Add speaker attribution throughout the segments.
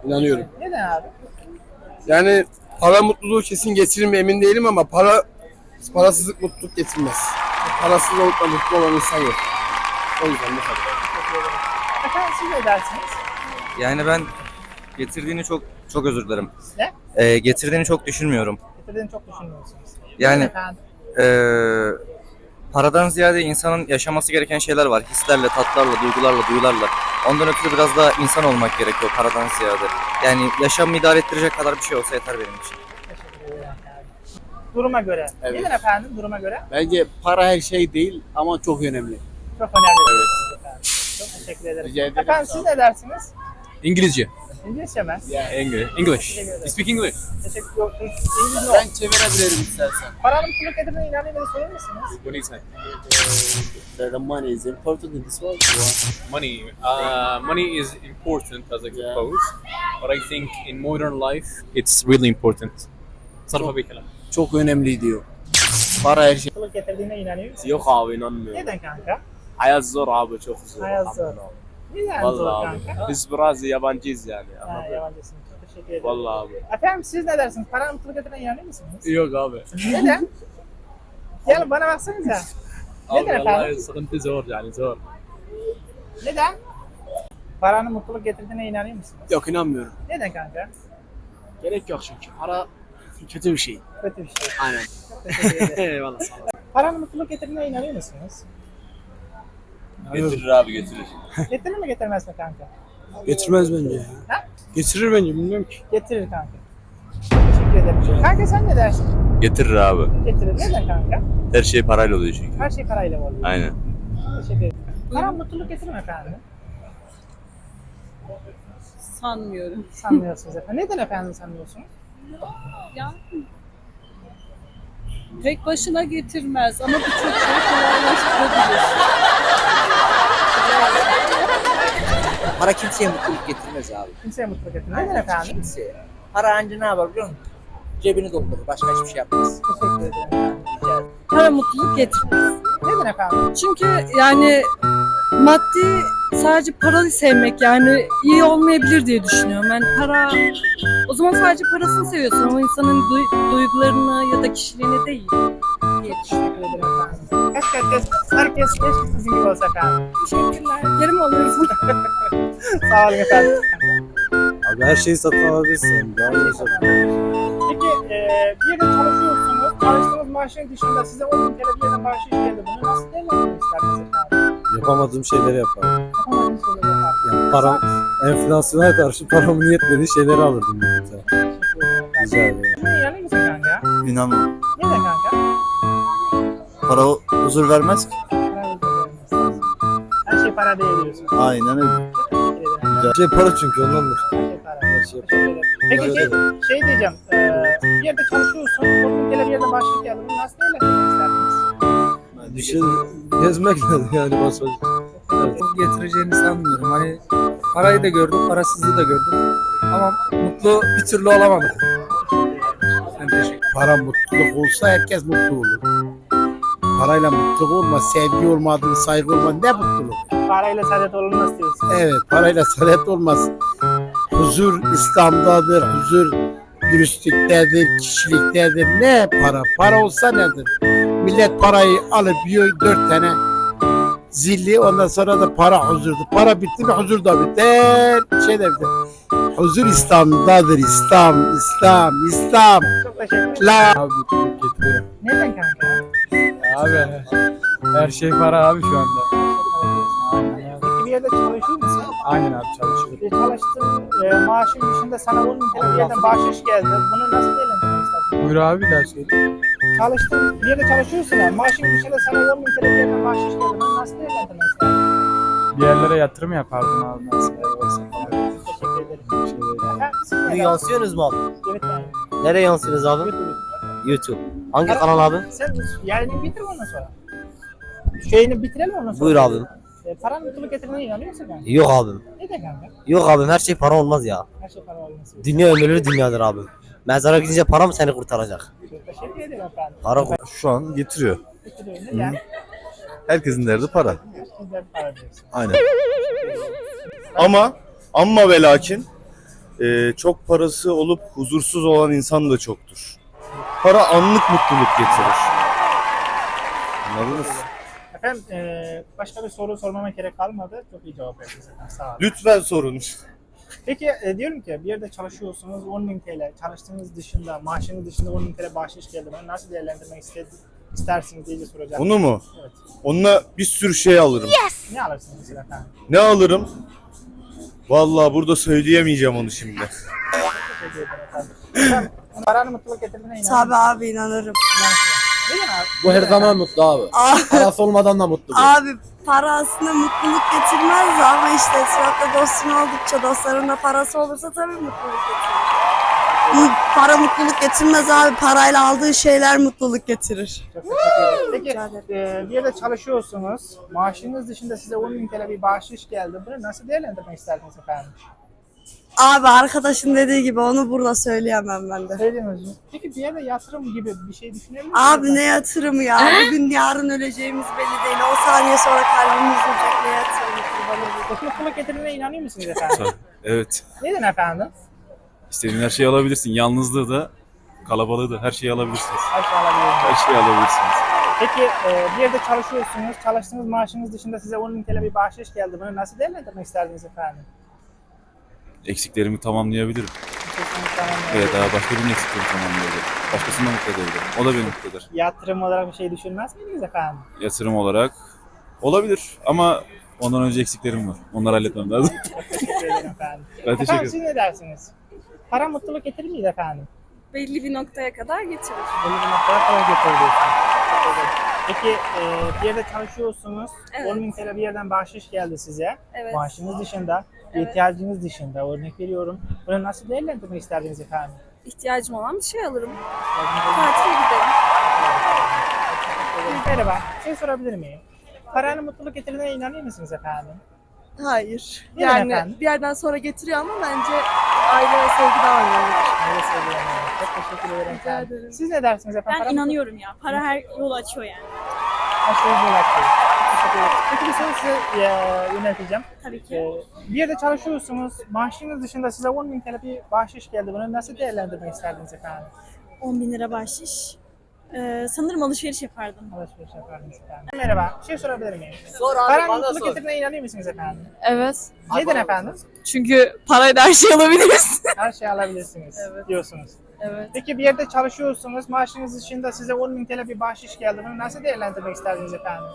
Speaker 1: İnanıyorum.
Speaker 2: Neden abi?
Speaker 1: Yani para mutluluğu kesin getirir mi emin değilim ama parasızlık mutluluk getirmez. Parasız olup da mutlu olan insan yok. O yüzden bu kadar.
Speaker 2: Efendim siz ne dersiniz?
Speaker 3: Yani ben getirdiğini çok özür dilerim.
Speaker 2: Ne?
Speaker 3: Getirdiğini çok düşünmüyorum.
Speaker 2: Getirdiğini çok düşünmüyorsunuz.
Speaker 3: Yani
Speaker 2: Neden efendim?
Speaker 3: paradan ziyade insanın yaşaması gereken şeyler var. Hislerle, tatlarla, duygularla. Ondan ötürü biraz daha insan olmak gerekiyor paradan ziyade. Yani yaşamı idare ettirecek kadar bir şey olsa yeter benim için.
Speaker 2: Teşekkür ederim. Duruma göre.
Speaker 1: Evet.
Speaker 2: Neden efendim duruma göre?
Speaker 1: Bence para her şey değil ama çok önemli.
Speaker 2: Çok önemli. Efendim. Çok teşekkür ederim.
Speaker 1: Rica ederim.
Speaker 2: Efendim siz ne dersiniz?
Speaker 4: İngilizce.
Speaker 2: İngilizce mi?
Speaker 4: English. You speak English?
Speaker 2: Teşekkür ederim. İngilizce
Speaker 1: Ben çevirebilirim istersen.
Speaker 2: Paranın mutluluk getirdiğine inanıyor musunuz? Sorar mısınız?
Speaker 4: What do you say?
Speaker 1: The money is important in this world.
Speaker 4: Money. Money is important as I suppose, but I think in modern life it's really important. صرفة بكلام.
Speaker 1: Çok önemli diyor. Para her şey.
Speaker 2: Mutluluk getirdiğine inanıyor musunuz?
Speaker 1: Yok abi inanmıyorum.
Speaker 2: Neden kanka?
Speaker 1: Hayat zor abi çok zor.
Speaker 2: Hayat zor. Neden zor
Speaker 1: Vallahi abi.
Speaker 2: kanka?
Speaker 1: Biz biraz yabancıyız yani.
Speaker 2: Ha, yabancısınız. Çok teşekkür ederim.
Speaker 1: Vallahi abi.
Speaker 2: Efendim siz ne dersiniz? Paranın mutluluk getirdiğine inanıyor musunuz?
Speaker 1: Yok abi.
Speaker 2: Neden? Gel bana baksanıza. Neden efendim?
Speaker 4: صرفة زور يعني زور.
Speaker 2: Neden? Paranın mutluluk getirdiğine inanıyor musunuz?
Speaker 1: Yok inanmıyorum.
Speaker 2: Neden kanka?
Speaker 1: Gerek yok çünkü. Para kötü bir şey.
Speaker 2: Kötü bir şey.
Speaker 1: Aynen.
Speaker 2: Çok teşekkür ederim.
Speaker 1: Eyvallah sağ ol.
Speaker 2: Paranın mutluluk getirdiğine inanıyor musunuz?
Speaker 5: Getirir abi getirir.
Speaker 2: Getirir mi getirmez mi kanka?
Speaker 1: Getirmez bence.
Speaker 2: Ha?
Speaker 1: Getirir bence bilmiyorum ki.
Speaker 2: Getirir kanka. Çok teşekkür ederim. Kanka sen ne dersin?
Speaker 5: Getirir abi.
Speaker 2: Getirir. Neden kanka?
Speaker 5: Her şey parayla oluyor çünkü.
Speaker 2: Her şey parayla oluyor.
Speaker 5: Aynen.
Speaker 2: Teşekkür ederim. Para mutluluk getirir mi efendim?
Speaker 6: Sanmıyorum.
Speaker 2: Sanmıyorsunuz efendim. Neden efendim sanmıyorsunuz?
Speaker 6: Ya tek başına getirmez ama birçok şey kolaylaştırabilir.
Speaker 7: Para kimseye mutluluk getirmez abi.
Speaker 2: Kimseye mutluluk getirmez. Neden efendim?
Speaker 7: Kimseye. Para anca ne yapar biliyor musun? Cebini doldurur. Başka hiçbir şey yapmaz.
Speaker 2: Teşekkür ederim efendim.
Speaker 7: Rica ederim.
Speaker 6: Para mutluluk getirmez.
Speaker 2: Neden efendim?
Speaker 6: Çünkü yani maddi sadece parayı sevmek yani iyi olmayabilir diye düşünüyorum. Yani para o zaman sadece parasını seviyorsun ama insanın duygularını ya da kişiliğini değil diye düşünüyorum.
Speaker 2: Teşekkür ederim efendim. Herkes keşke sizin gibi olsa efendim.
Speaker 6: Teşekkürler. Yerim olursun.
Speaker 2: Sağ olun efendim.
Speaker 1: Abi her şeyi satın alabilirsin. Daha iyi satın.
Speaker 2: Peki bir yerde çalışıyorsunuz. Çalıştığınız maaşın dışında size 10.000 TL bir yerden bahşiş geldi. Bunu nasıl değerlendirmek istersiniz efendim?
Speaker 1: Yapamadığım şeyleri yaparım.
Speaker 2: Yapamadığınız şeyleri yaparsınız.
Speaker 1: Yani para, enflasyona karşı paramın yetmediği şeyleri alırdım birlikte. Rica ederim.
Speaker 2: Şuna inanıyor musun kanka?
Speaker 5: İnanmam.
Speaker 2: Neden kanka?
Speaker 5: Para huzur vermez ki.
Speaker 2: Para ödeyemezsiniz. Her şey para değil diyorsun.
Speaker 5: Aynen öyle.
Speaker 2: Teşekkür ederim.
Speaker 1: Her şey para çünkü ondandır.
Speaker 2: Her şey para.
Speaker 1: Her şey
Speaker 2: Teşekkür ederim. Peki şey diyeceğim. Bir yerde çalışıyorsun. 10.000 TL bir yerden bahşiş geldi. Bunu nasıl değerlendirmek isterdiniz?
Speaker 1: Bir şey gezmek lazım yani basmak. Evet.
Speaker 8: Getireceğini sanmıyorum. Hani parayı da gördüm, parasızlığı da gördüm. Ama mutlu bir türlü olamadım. Ben teşekkür
Speaker 9: Para mutluluk olsa herkes mutlu olur. Parayla mutluluk olmaz, sevgi olmadı, saygı olmadı, ne mutluluk?
Speaker 2: Parayla saadet olunmaz diyorsun.
Speaker 9: Evet, parayla saadet olmaz. Huzur İslam'dadır, huzur dürüstlüktedir, kişiliktedir. Ne para? Para olsa nedir? Millet parayı alıp yiyor 4 tane zilli, ondan sonra da para huzurdu. Para bitti mi huzur da biter, şey de biter. Huzur İslam'dadır, İslam.
Speaker 2: Çok teşekkür ederim.
Speaker 9: La
Speaker 8: Abi mutluluk getiriyor.
Speaker 2: Neden kanka?
Speaker 8: Abi her şey para abi şu anda.
Speaker 2: Peki bir yerde çalışıyor musun?
Speaker 8: Aynen abi çalışıyorum.
Speaker 2: Çalıştığın maaşın dışında sana 10.000 TL bir yerden bahşiş geldi. Bunu nasıl değerlendirmek isterdin?
Speaker 8: Buyur abi bir daha söyle.
Speaker 2: Çalıştığın bir yerde çalışıyorsun ama maaşın dışında sana 10.000 TL bir yerden bahşiş geldi. Bunu nasıl değerlendirmek isterdin?
Speaker 8: Bir yerlere yatırım yapardım abi mesela.
Speaker 2: Teşekkür ederim. Efendim, siz ne dersiniz?
Speaker 7: Yansıyorsunuz mu abi?
Speaker 2: Evet yani.
Speaker 7: Nereye yansıyorsunuz abi?
Speaker 2: YouTube.
Speaker 7: YouTube. Hangi kanal abi?
Speaker 2: Sen yayını bitir ondan sonra. Şeyini bitirelim ondan sonra.
Speaker 7: Buyur abim.
Speaker 2: Paranın mutluluk getirdiğine inanıyor musun kanka?
Speaker 7: Yok abim.
Speaker 2: Neden kanka?
Speaker 7: Yok abim her şey para olmaz ya.
Speaker 2: Her şey para olması.
Speaker 7: Dünya ömürlü dünyadır abim. Mezara gidince para mı seni kurtaracak?
Speaker 2: Teşekkür ederim efendim.
Speaker 7: Para
Speaker 5: Şu an getiriyor.
Speaker 2: Bitiriyorum. Neden?
Speaker 5: Herkesin derdi para.
Speaker 2: Güzel para diyorsun.
Speaker 5: Aynen. Ama ve lakin Çok parası olup huzursuz olan insan da çoktur. Para anlık mutluluk getirir. Anladınız?
Speaker 2: Efendim başka bir soru sormama gerek kalmadı. Çok iyi cevap verdiniz efendim. Sağ olun.
Speaker 5: Lütfen sorun.
Speaker 2: Peki diyorum ki bir yerde çalışıyorsunuz 10.000 TL çalıştığınız dışında maaşınız dışında 10.000 TL bahşiş geldi. Bunu nasıl değerlendirmek istersiniz diye soracağım.
Speaker 5: Onu mu?
Speaker 2: Evet.
Speaker 5: Onunla bir sürü şey alırım.
Speaker 2: Ne alırsınız mesela efendim?
Speaker 5: Ne alırım? Vallahi burada söyleyemeyeceğim onu şimdi.
Speaker 2: Teşekkür ederim efendim. Efendim paranın mutluluk getirdiğine inanın.
Speaker 10: Tabii abi inanırım.
Speaker 2: Neden abi?
Speaker 1: Bu her zaman mutlu abi. Parası olmadan da mutlu.
Speaker 10: Abi para aslında mutluluk getirmez ama işte etrafta dostun oldukça dostların da parası olursa tabii mutluluk getirir. Para mutluluk getirmez abi. Parayla aldığı şeyler mutluluk getirir.
Speaker 2: Çok teşekkür ederim. Peki
Speaker 10: Rica ederim.
Speaker 2: bir yerde çalışıyorsunuz. Maaşınız dışında size 10.000 TL bir bahşiş geldi. Bunu nasıl değerlendirmek isterdiniz efendim?
Speaker 10: Abi arkadaşın dediği gibi onu burada söyleyemem ben de.
Speaker 2: Söyleyemiyoruz. Peki bir yerde yatırım gibi bir şey düşünebilir misiniz?
Speaker 10: Abi ne yatırımı ya? Bugün yarın öleceğimiz belli değil. O saniye sonra kalbimiz duracak, ne yatırımı kurban olayım.
Speaker 2: Peki mutluluk getirdiğine inanıyor musunuz efendim?
Speaker 11: Evet.
Speaker 2: Neden efendim?
Speaker 11: İstediğin her şeyi alabilirsin. Yalnızlığı da, kalabalığı da her şeyi alabilirsiniz.
Speaker 2: Her şey alabiliyorum.
Speaker 11: Her şeyi alabilirsiniz.
Speaker 2: Peki bir yerde çalışıyorsunuz. Çalıştığınız maaşınız dışında size 10.000 TL bir bahşiş geldi. Bunu nasıl değerlendirmek isterdiniz efendim?
Speaker 11: Eksiklerimi tamamlayabilirim.
Speaker 2: Kesinlikle anlamıyorum.
Speaker 11: Evet, daha başka birinin eksiklerini tamamlayabilirim. Başkasını da mutlu edebilirim. O da beni mutlu eder.
Speaker 2: Yatırım olarak bir şey düşünmez miydiniz efendim?
Speaker 11: Yatırım olarak olabilir ama ondan önce eksiklerim var. Onları halletmem lazım.
Speaker 2: Teşekkür ederim efendim.
Speaker 11: Ben teşekkür
Speaker 2: Efendim
Speaker 11: ederim.
Speaker 2: siz ne dersiniz? Para mutluluk getirir miydi efendim?
Speaker 6: Belli bir noktaya kadar getirir.
Speaker 2: Belli bir noktaya kadar getiriyorsunuz. Peki bir yerde çalışıyorsunuz.
Speaker 6: Evet.
Speaker 2: 10.000 TL bir yerden bahşiş geldi size.
Speaker 6: Evet.
Speaker 2: Maaşınız dışında,
Speaker 6: Evet.
Speaker 2: ihtiyacınız dışında örnek veriyorum. Bunu nasıl değerlendirmek isterdiniz efendim?
Speaker 6: İhtiyacım olan bir şey alırım. Tatile giderim.
Speaker 2: Merhaba, bir şey sorabilir miyim? Paranın mutluluk getirdiğine inanıyor musunuz efendim?
Speaker 10: Hayır.
Speaker 2: Neden
Speaker 6: Yani
Speaker 2: efendim?
Speaker 6: bir yerden sonra getiriyor ama bence aile ve sevgi daha önemlidir.
Speaker 2: Öyle söylüyorum. Çok teşekkür ederim
Speaker 6: Rica
Speaker 2: efendim.
Speaker 6: ederim.
Speaker 2: Siz ne dersiniz efendim?
Speaker 12: Ben
Speaker 2: Para
Speaker 12: inanıyorum ya. Para her yolu açıyor yani.
Speaker 2: Her şeyi bırakıyor. Teşekkür ederim. Peki bir soru size yönelteceğim.
Speaker 12: Tabii ki.
Speaker 2: Bir yerde çalışıyorsunuz. Maaşınız dışında size 10.000 TL bir bahşiş geldi. Bunu nasıl değerlendirmek isterdiniz efendim?
Speaker 12: 10.000 lira bahşiş. Sanırım alışveriş yapardım.
Speaker 2: Alışveriş yapardınız efendim. Merhaba, bir şey sorabilir miyim?
Speaker 7: Sor abi,
Speaker 2: Paranın
Speaker 7: bana
Speaker 2: mutluluk
Speaker 7: sor.
Speaker 2: getirdiğine inanıyor musunuz efendim?
Speaker 6: Evet.
Speaker 2: Neden efendim?
Speaker 6: Çünkü parayla her şey alabiliriz.
Speaker 2: Her şeyi alabilirsiniz diyorsunuz.
Speaker 6: Evet.
Speaker 2: Peki bir yerde çalışıyorsunuz. Maaşınız dışında size 10.000 TL bir bahşiş geldi. Bunu nasıl değerlendirmek isterdiniz efendim?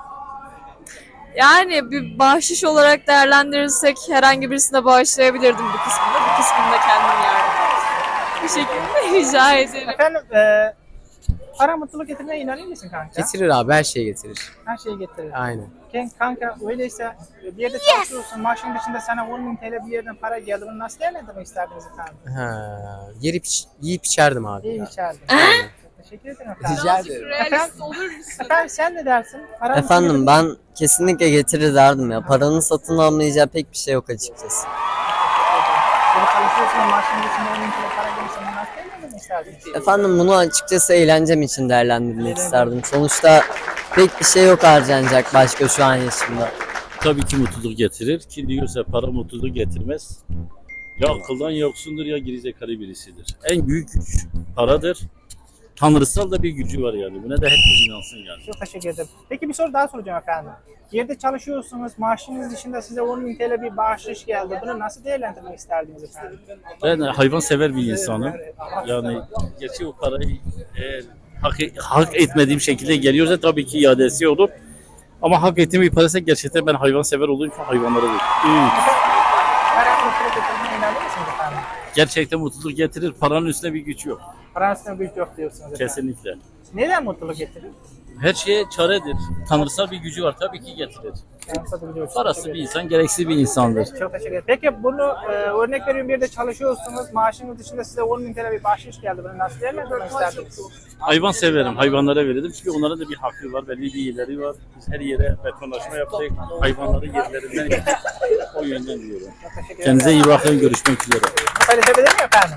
Speaker 6: Yani bir bahşiş olarak değerlendirirsek herhangi birisine bağışlayabilirdim bir kısmını. Bir kısmını da kendim yerdim. Bu şekilde rica ederim.
Speaker 2: Efendim para mutluluk getirdiğine inanıyor musun kanka?
Speaker 7: Getirir abi, her şeyi getirir.
Speaker 2: Her şeyi getirir.
Speaker 7: Aynen.
Speaker 2: Kanka öyleyse bir yerde çalışıyorsun. Maaşın dışında sana 10.000 TL bir yerden para geldi. Bunu nasıl değerlendirmek isterdiniz efendim?
Speaker 7: Yiyip içerdim abi.
Speaker 2: İyi içerdim. Teşekkür ederim efendim.
Speaker 7: Rica ederim.
Speaker 6: Realist olur musun?
Speaker 2: Efendim sen ne dersin? Para
Speaker 13: Efendim ben kesinlikle getirir derdim ya. Paranın satın almayacağı pek bir şey yok açıkçası.
Speaker 2: Böyle çalışıyorsun maaşın dışında 10.000 TL para gelirse bunu nasıl değerlendirmek isterdin?
Speaker 13: Efendim bunu açıkçası eğlencem için değerlendirmek isterdim. Sonuçta pek bir şey yok harcanacak başka şu an yaşımda.
Speaker 14: Tabii ki mutluluk getirir. Ki diyorsa para mutluluk getirmez. Ya akıldan yoksundur ya gerizekalı birisidir. En büyük güç paradır. Tanrısal da bir gücü var yani. Buna da herkes inansın yani.
Speaker 2: Çok teşekkür ederim. Peki bir soru daha soracağım efendim. Yerde çalışıyorsunuz, maaşınız dışında size 10.000 TL bir bahşiş geldi. Bunu nasıl değerlendirmek isterdiniz efendim?
Speaker 14: Ben hayvansever bir insanım. Yani gerçi o parayı eğer hak etmediğim şekilde geliyorsa tabii ki iadesi olur. Ama hak ettiğim bir paraysa gerçekten ben hayvansever olduğum için hayvanlara veririm.
Speaker 2: Para mutluluk getirdiğine inanıyor musunuz efendim?
Speaker 14: Gerçekten mutluluk getirir. Paranın üstüne bir güç yok.
Speaker 2: Paranın üstüne güç yok diyorsunuz efendim.
Speaker 14: Kesinlikle.
Speaker 2: Neden mutluluk getirir?
Speaker 14: Her şeye çaredir. Tanrısal bir gücü var. Tabii ki getirir. Parası bir insan, gereksiz bir insandır.
Speaker 2: Çok teşekkür ederim. Peki bunu örnek veriyorum bir yerde çalışıyorsunuz. Maaşınız dışında size 10.000 TL bir bahşiş geldi. Bunu nasıl değerlendirmek isterdiniz?
Speaker 14: Hayvan severim. Hayvanlara verirdim. Çünkü onların da bir hakkı var. Belli bir yerleri var. Biz her yere betonlaşma yaptık. Hayvanları yerlerinden yaptık. O yönden diyorum. Kendinize iyi bakın. Görüşmek üzere.
Speaker 2: Paylaşabilir miyim efendim?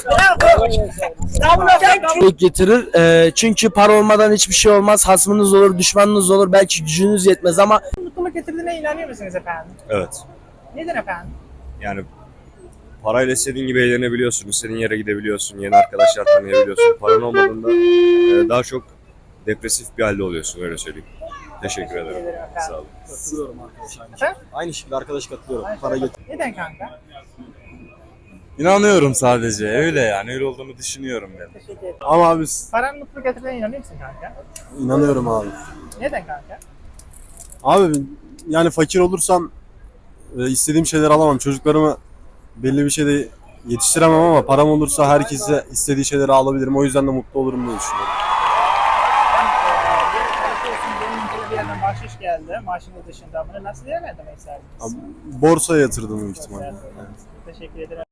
Speaker 1: Getirir. Çünkü para olmadan hiçbir şey olmaz. Hasmınız olur, düşmanınız olur. Belki gücünüz yetmez ama
Speaker 2: Mutluluk getirdiğine inanıyor musunuz efendim?
Speaker 5: Evet.
Speaker 2: Neden efendim?
Speaker 5: Yani Parayla istediğin gibi eğlenebiliyorsun, istediğin yere gidebiliyorsun, yeni arkadaşlar tanıyabiliyorsun. Paran olmadığında daha çok depresif bir halde oluyorsun, öyle söyleyeyim. Teşekkür ederim. Sağ olun.
Speaker 2: Katılıyorum arkadaşlar.
Speaker 5: Aynı şekilde arkadaş katılıyorum.
Speaker 2: Neden kanka?
Speaker 5: İnanıyorum sadece, öyle yani, öyle olduğunu düşünüyorum ben.
Speaker 2: Teşekkür ederim.
Speaker 5: Ama abi
Speaker 2: Paranın mutluluk getirdiğine inanıyor musun kanka?
Speaker 5: inanıyorum abi.
Speaker 2: Neden kanka?
Speaker 5: Abi yani fakir olursam istediğim şeyleri alamam. Çocuklarımı belli bir şeyde yetiştiremem ama param olursa herkese istediği şeyleri alabilirim. O yüzden de mutlu olurum diye düşünüyorum.
Speaker 2: Bir çalışıyorsun, benim bir yerden bahşiş geldi. Maaşının dışında bunu nasıl değerlendirmek isterdiniz?
Speaker 5: Borsaya yatırdım büyük ihtimalle.
Speaker 2: Teşekkür ederim.